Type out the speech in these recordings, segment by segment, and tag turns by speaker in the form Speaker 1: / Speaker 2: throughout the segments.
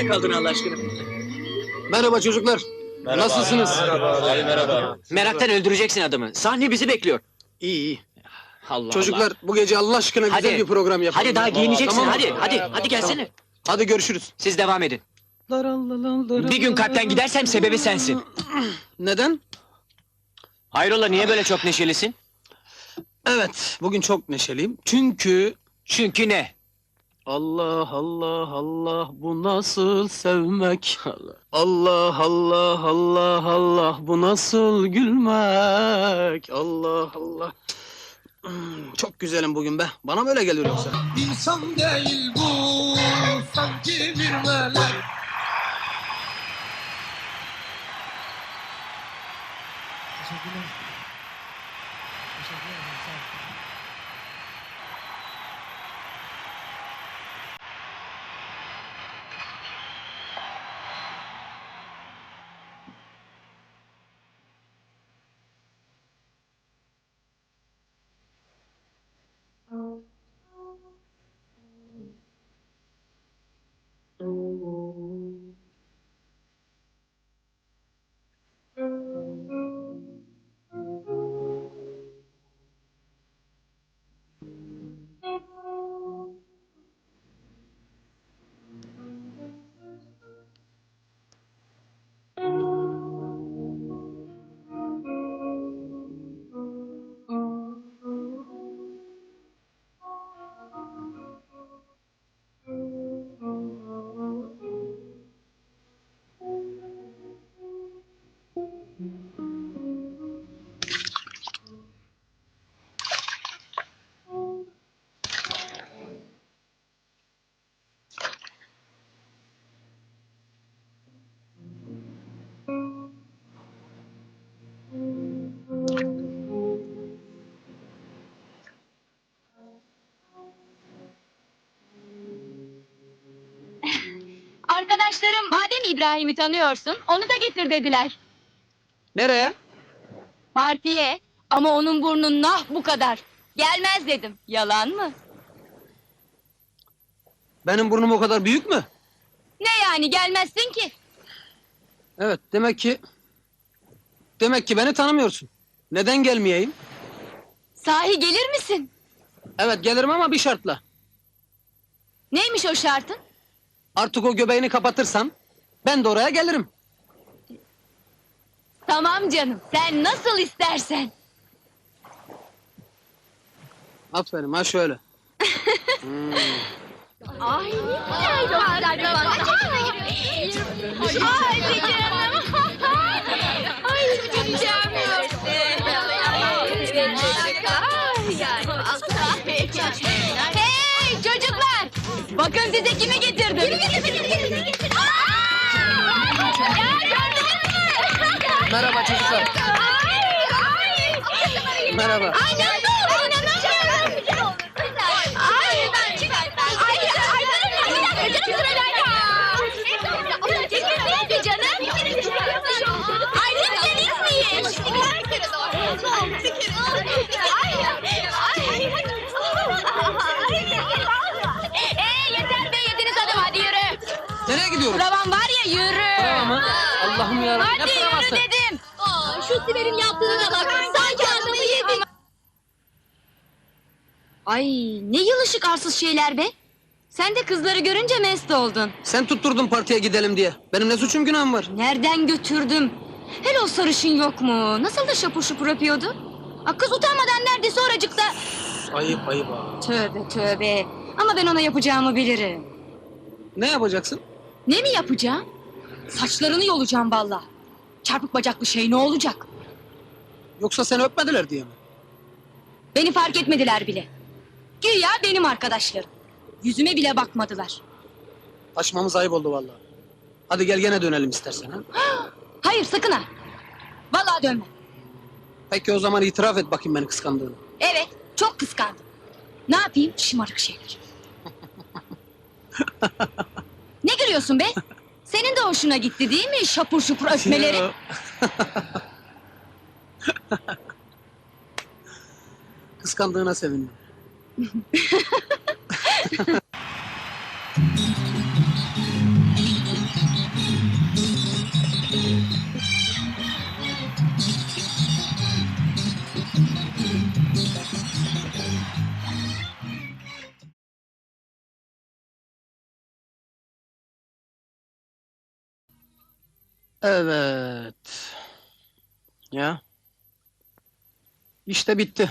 Speaker 1: kaldın Allah aşkına?
Speaker 2: Merhaba çocuklar. Nasılsınız?
Speaker 3: Merhaba.
Speaker 1: Meraktan öldüreceksin adamı. Sahne bizi bekliyor.
Speaker 2: İyi iyi.
Speaker 1: Allah
Speaker 2: Çocuklar bu gece Allah aşkına güzel
Speaker 1: Hadi.
Speaker 2: bir program yapalım.
Speaker 1: Hadi daha giyineceksin.
Speaker 2: Tamam mı?
Speaker 1: Hadi gelsene.
Speaker 2: Hadi görüşürüz.
Speaker 1: Siz devam edin. Bir gün kalpten gidersem sebebi sensin.
Speaker 2: Neden?
Speaker 1: Hayrola niye böyle çok neşelisin?
Speaker 2: Evet, bugün çok neşeliyim.
Speaker 1: Çünkü ne?
Speaker 2: Allah Allah Allah bu nasıl sevmek? Allah Allah Allah Allah bu nasıl gülmek? Allah Allah. Çok güzelim bugün be. Bana böyle gelir yoksa.
Speaker 4: İnsan değil bu, sanki bir melek. Teşekkürler. Teşekkürler. Sağ ol.
Speaker 5: Arkadaşlarım, madem İbrahim'i tanıyorsun, onu da getir dediler.
Speaker 2: Nereye?
Speaker 5: Partiye, ama onun burnu nah bu kadar. Gelmez dedim, yalan mı?
Speaker 2: Benim burnum o kadar büyük mü?
Speaker 5: Ne yani, gelmezsin ki?
Speaker 2: Evet, demek ki beni tanımıyorsun. Neden gelmeyeyim?
Speaker 5: Sahi gelir misin?
Speaker 2: Evet, gelirim ama bir şartla.
Speaker 5: Neymiş o şartın?
Speaker 2: Artık o göbeğini kapatırsan ben de oraya gelirim.
Speaker 5: Tamam canım, sen nasıl istersen.
Speaker 2: Aferin, ha şöyle.
Speaker 5: Ay ne güzel dostlar falan. Ay canım. Ay canım. Hey çocuklar! Bakın size kimi getirdim. Ya gördünüz mü?
Speaker 2: Merhaba çocuklar. Merhaba.
Speaker 5: Ay ne oldu? İnanamıyorum. Ay ben Ay bir dakika canım sırayla. Neydi canım? Ay lütfen izleyin. Yeter be yediniz adam hadi yürü.
Speaker 2: Nereye gidiyoruz?
Speaker 5: Pravan var ya yürü.
Speaker 2: Prova mı? Allah'ım yarabbim. Ne
Speaker 5: Hadi yürü
Speaker 2: provası?
Speaker 5: dedim. Şu Sibel'in yaptığına bak. Sanki adamı yedi. Ay ne yılışık arsız şeyler be. Sen de kızları görünce mest oldun.
Speaker 2: Sen tutturdun partiye gidelim diye. Benim ne suçum günahım var?
Speaker 5: Nereden götürdüm? Hele o sarışın yok mu? Nasıl da şapur şupur yapıyordu? Kız utanmadan neredeyse oracıkta...
Speaker 2: Ayıp ha.
Speaker 5: Tövbe tövbe. Ama ben ona yapacağımı bilirim.
Speaker 2: Ne yapacaksın?
Speaker 5: Ne mi yapacağım? Saçlarını yolacağım valla. Çarpık bacaklı şey ne olacak?
Speaker 2: Yoksa seni öpmediler diye mi?
Speaker 5: Beni fark etmediler bile. Güya benim arkadaşlarım. Yüzüme bile bakmadılar.
Speaker 2: Taşmamız ayıp oldu vallahi. Hadi gel gene dönelim istersen ha.
Speaker 5: Hayır sakın ha. Vallahi dönmem.
Speaker 2: Peki o zaman itiraf et bakayım beni kıskandığını.
Speaker 5: Evet çok kıskandım. Ne yapayım şımarık şeyler. Ne gülüyorsun be? Senin de hoşuna gitti değil mi şapur şupur öpmeleri?
Speaker 2: Kıskandığına sevindim. Evet. Ya. İşte bitti.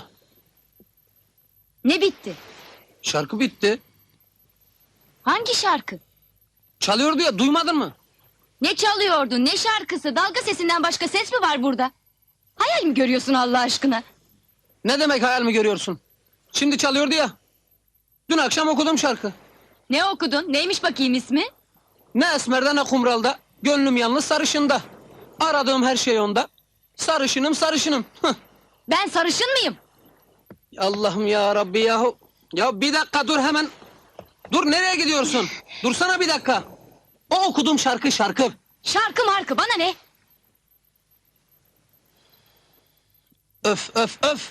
Speaker 5: Ne bitti?
Speaker 2: Şarkı bitti.
Speaker 5: Hangi şarkı?
Speaker 2: Çalıyordu ya, duymadın mı?
Speaker 5: Ne çalıyordun, ne şarkısı? Dalga sesinden başka ses mi var burada? Hayal mi görüyorsun Allah aşkına?
Speaker 2: Ne demek hayal mi görüyorsun? Şimdi çalıyordu ya. Dün akşam okudum şarkı.
Speaker 5: Ne okudun? Neymiş bakayım ismi?
Speaker 2: Ne esmerde ne kumralda, gönlüm yalnız sarışında. Aradığım her şey onda. Sarışınım sarışınım. Hıh.
Speaker 5: Ben sarışın mıyım?
Speaker 2: Allah'ım ya Rabbi yahu. Ya bir dakika dur hemen. Dur nereye gidiyorsun? Dursana bir dakika. O okuduğum şarkı.
Speaker 5: Şarkı markı bana ne?
Speaker 2: Öf öf öf.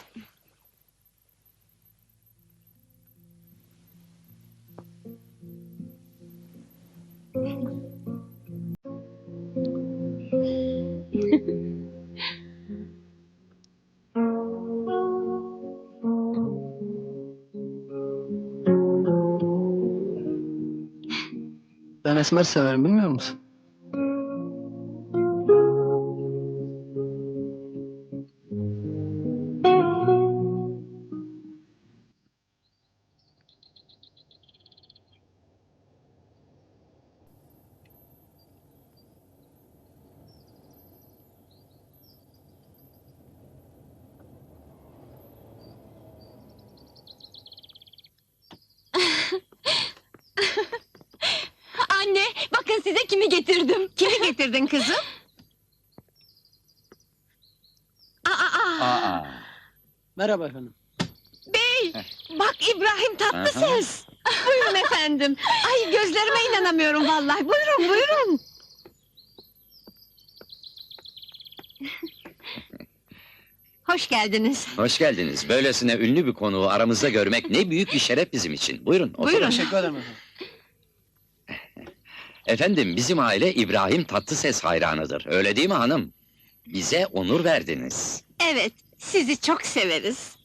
Speaker 2: Ben esmer severim bilmiyor musun?
Speaker 5: Anne, bakın size kimi getirdim.
Speaker 3: Kimi getirdin kızım?
Speaker 6: Aa,
Speaker 2: Merhaba efendim.
Speaker 3: Bey, bak İbrahim Tatlıses. Buyurun efendim. Ay gözlerime inanamıyorum vallahi. Buyurun, buyurun. Hoş geldiniz.
Speaker 6: hoş geldiniz. Böylesine ünlü bir konuğu aramızda görmek ne büyük bir şeref bizim için. Buyurun, oturun.
Speaker 3: Buyurun.
Speaker 2: Teşekkür ederim efendim.
Speaker 6: Efendim, bizim aile İbrahim Tatlıses hayranıdır. Öyle değil mi hanım? Bize onur verdiniz.
Speaker 3: Evet, sizi çok severiz.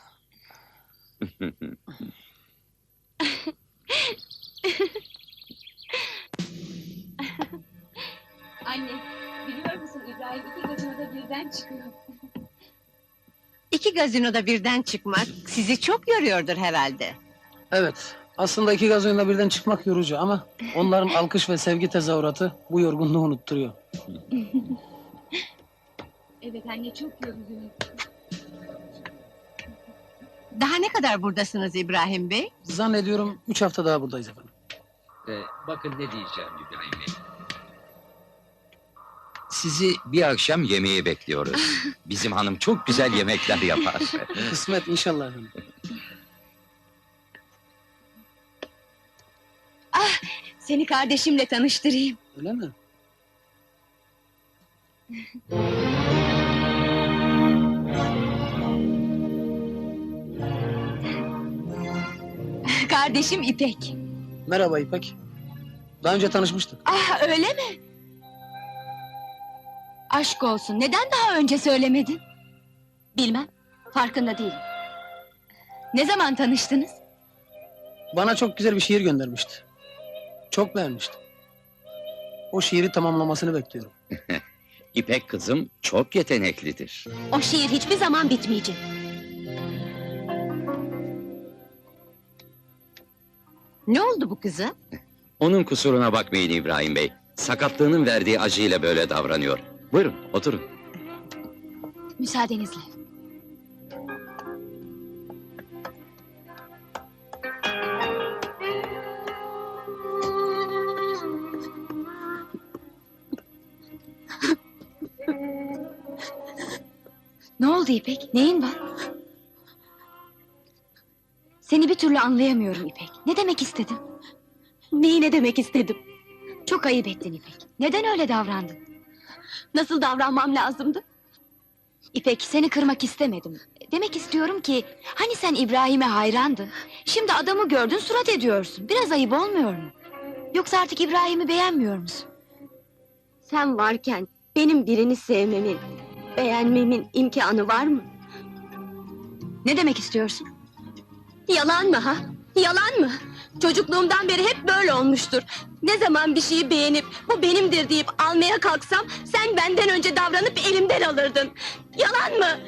Speaker 5: Anne, biliyor musun İbrahim iki gazinoda birden çıkıyor.
Speaker 3: İki gazinoda birden çıkmak sizi çok yoruyordur herhalde.
Speaker 2: Evet. Aslında iki gaz oyununa birden çıkmak yorucu ama onların alkış ve sevgi tezahüratı bu yorgunluğu unutturuyor.
Speaker 5: Evet anne, çok yoruldum.
Speaker 3: Daha ne kadar buradasınız İbrahim Bey?
Speaker 2: Zannediyorum 3 hafta daha buradayız efendim.
Speaker 6: Bakın ne diyeceğim İbrahim Bey. Sizi bir akşam yemeğe bekliyoruz. Bizim hanım çok güzel yemekler yapar.
Speaker 2: Kısmet inşallah efendim.
Speaker 5: Seni kardeşimle tanıştırayım.
Speaker 2: Öyle mi?
Speaker 5: Kardeşim İpek.
Speaker 2: Merhaba İpek. Daha önce tanışmıştık.
Speaker 5: Ah, öyle mi? Aşk olsun, neden daha önce söylemedin? Bilmem, farkında değilim. Ne zaman tanıştınız?
Speaker 2: Bana çok güzel bir şiir göndermişti. Çok beğenmiştim. O şiiri tamamlamasını bekliyorum.
Speaker 6: İpek kızım çok yeteneklidir.
Speaker 5: O şiir hiçbir zaman bitmeyecek.
Speaker 3: Ne oldu bu kıza?
Speaker 6: Onun kusuruna bakmayın İbrahim Bey. Sakatlığının verdiği acıyla böyle davranıyor. Buyurun, oturun.
Speaker 5: Müsaadenizle. Ne oldu İpek? Neyin var? Seni bir türlü anlayamıyorum İpek. Ne demek istedin? Neyi ne demek istedim? Çok ayıp ettin İpek. Neden öyle davrandın? Nasıl davranmam lazımdı? İpek, seni kırmak istemedim. Demek istiyorum ki, hani sen İbrahim'e hayrandın. Şimdi adamı gördün, surat ediyorsun. Biraz ayıp olmuyor mu? Yoksa artık İbrahim'i beğenmiyor musun?
Speaker 7: Sen varken benim birini sevmemin, beğenmemin imkanı var mı?
Speaker 5: Ne demek istiyorsun?
Speaker 7: Yalan mı ha? Yalan mı? Çocukluğumdan beri hep böyle olmuştur. Ne zaman bir şeyi beğenip bu benimdir deyip almaya kalksam sen benden önce davranıp elimden alırdın. Yalan mı?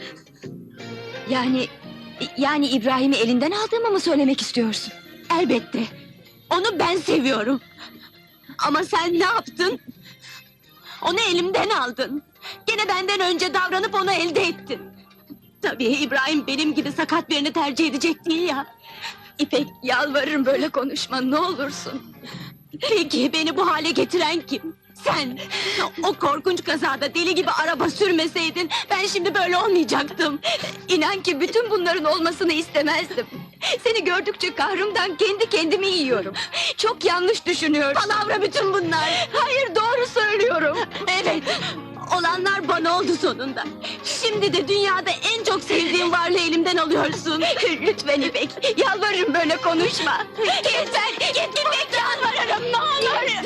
Speaker 5: Yani İbrahim'i elinden aldığımı mı söylemek istiyorsun?
Speaker 7: Elbette. Onu ben seviyorum. Ama sen ne yaptın? Onu elimden aldın. Gene benden önce davranıp onu elde ettin. Tabii İbrahim benim gibi sakat birini tercih edecek değil ya.
Speaker 5: İpek, yalvarırım böyle konuşma, ne olursun.
Speaker 7: Peki beni bu hale getiren kim? Sen! O korkunç kazada deli gibi araba sürmeseydin ben şimdi böyle olmayacaktım.
Speaker 5: İnan ki bütün bunların olmasını istemezdim. Seni gördükçe kahrımdan kendi kendimi yiyorum. Çok yanlış düşünüyorsun.
Speaker 7: Palavra bütün bunlar.
Speaker 5: Hayır, doğru söylüyorum.
Speaker 7: Evet, olanlar bana oldu sonunda. Şimdi de dünyada en çok sevdiğim varlığı elimden alıyorsun.
Speaker 5: Lütfen İpek, yalvarırım böyle konuşma.
Speaker 7: Yeter, git İpek, yalvarırım ne olur.